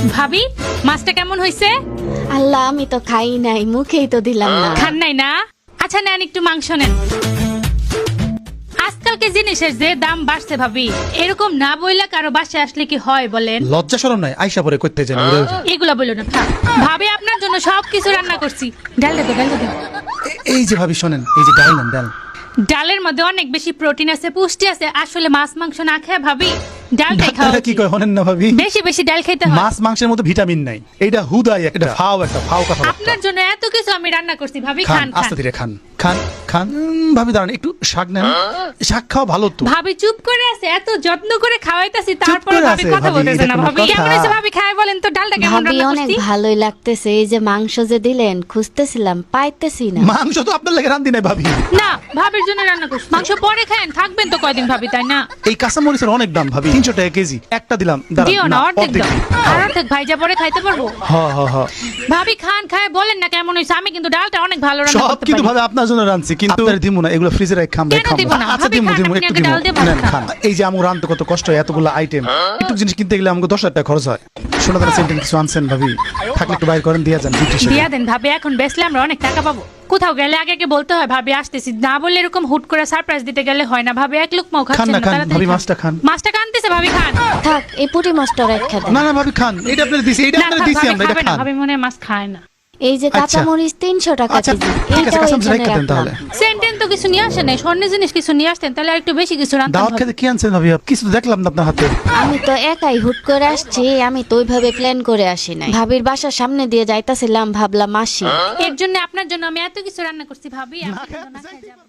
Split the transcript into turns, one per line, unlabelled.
ভাবি মাছটা কেমন হইছে?
আল্লাহ আমি তো খাই নাই, মুখেই তো দিলাম না।
খান নাই না? আচ্ছা নেন একটু মাংস নেন। আজকালকে জিনিসের যে দাম বাড়ছে ভাবি, এরকম না বইলা কারো বাসায় আসলে কি হয় বলেন?
লজ্জা শরম নাই, আইসা পরে করতে জানি।
এগুলা বললো না থাক। ভাবি আপনার জন্য সবকিছু রান্না করছি। ডাল দে, ডাল দে।
এই যে ভাবি শোনেন, এই যে ডাল নেন, ডাল।
ডালের মধ্যে অনেক বেশি প্রোটিন আছে, পুষ্টি আছে। আসলে মাছ মাংস না খেয়ে ভাবি ডালটাই খাওয়া
ডাক্তাররা কি
উচিত।
কয় হনেন না ভাবি?
বেশি বেশি ডাল খেতে হয়।
মাছ মাংসের মধ্যে ভিটামিন নাই, এইটা হুদাই একটা ফাও কথা।
আপনার জন্য এত কিছু আমি রান্না করছি ভাবি,
খান,
খান খান।
আস্তে ধীরে খান খান খান। ভাবি দাঁড়ান, একটু শাক নেন, শাক খাওয়া ভালো তো।
ভাবি চুপ করে আছে, এত যত্ন করে খাওয়াইতাছি
চুপ
তারপরে
করে
ভাবি
আছে,
কথা
ভাবি,
বলতেছে না।
এটা কোনো
ভাবি কেমন
কথা?
হয়েছে ভাবি, খায় বলেন তো ডালটা কেমন
ভাবি
রান্না
অনেক
করছি?
ভালোই লাগতেছে। এই যে মাংস যে দিলেন খুঁজতেছিলাম, পাইতেছি না।
মাংস তো আপনার লাগে রান্ধি নাই ভাবি।
না ভাবির জন্য রান্না করছি। মাংস পরে খান, থাকবেন তো কয়দিন ভাবি, তাই না?
এই কাঁচামরিচের অনেক দাম ভাবি, 300 টাকা কেজি। একটা দিলাম, দাঁড়ান,
দিও না,
না,
অর্ধেক
অর্ধেক
দাও।
দিন।
আর অর্ধেক ভাইজা পরে খাইতে পারবো।
হ।
ভাবি খান, খায় বলেন না কেমন হয়েছে। আমি কিন্তু ডালটা অনেক ভালো রান্না
সব
করতে
কিন্তু
পারি।
ভাবে আপনার জন্য রাঁধছি, কিন্তু আপনার দিমু না, এগুলো ফ্রিজে রাখ খাম।
কেন দিব না?
আচ্ছা
ভাবি
দিমু
খান,
দিমু,
আপনি
একটু
আগে
দিমু।
ডাল দিয়ে ভাত
নেন,
খান।
খান। এই যে আমার রাঁধতে কত কষ্ট হয়, এতগুলো আইটেম। একটু জিনিস কিনতে গেলে আমাকে 10,000 টাকা খরচ হয়। শোনা দাঁড়া, সেন্টেন কিছু আনছেন ভাবি? থাকলে একটু বাইর করেন, দিয়া যান।
দিয়া দেন ভাবি, এখন বেচলে আমরা অনেক টাকা পাবো। কোথাও গেলে আগে আগে বলতে হয় ভাবি আসতেছি, না বললে এরকম হুট করে সারপ্রাইজ দিতে গেলে হয় না। ভাবি এক লোকমাও
খান
খাচ্ছেন
না,
না,
খান
তাড়াতাড়ি
ভাবি,
খান।
মাছটা খান।
মাছটা কানতেছে ভাবি, খান।
থাক, এই পুঁটি মাছটা রেখে দেন।
না ভাবি খান, এটা আপনার দিছি, এটা
না
আপনার
থাক,
দিছি
ভাবি
আমরা, এটা
খাবে না।
খান।
ভাবি মনে হয় মাছ খায় না।
এই যে
আচ্ছা।
কাঁচামরিচ 300 টাকা
আচ্ছা,
কেজি,
ঠিক আছে,
এইটাও
কাঁচামরিচ
এখানে
রেখে দেন তাহলে।
রাখলাম।
সেন্টেন তো কিছু নিয়ে আসেন নাই, স্বর্ণের জিনিস কিছু নিয়ে আসতেন তাহলে আর একটু বেশি কিছু রান্না
দাওয়াত খেতে কি আনছেন ভাবি? কিছু তো দেখলাম না আপনার হাতে।
আমি তো একাই হুট করে আসছি, আমি তো ওইভাবে প্ল্যান করে আসি নাই। ভাবির বাসার সামনে দিয়ে যাইতাছিলাম, ভাবলাম আসি।
এর জন্য আপনার জন্য আমি এত কিছু রান্না করছি ভাবি, আপনি কিন্তু না খেয়ে যাবেন।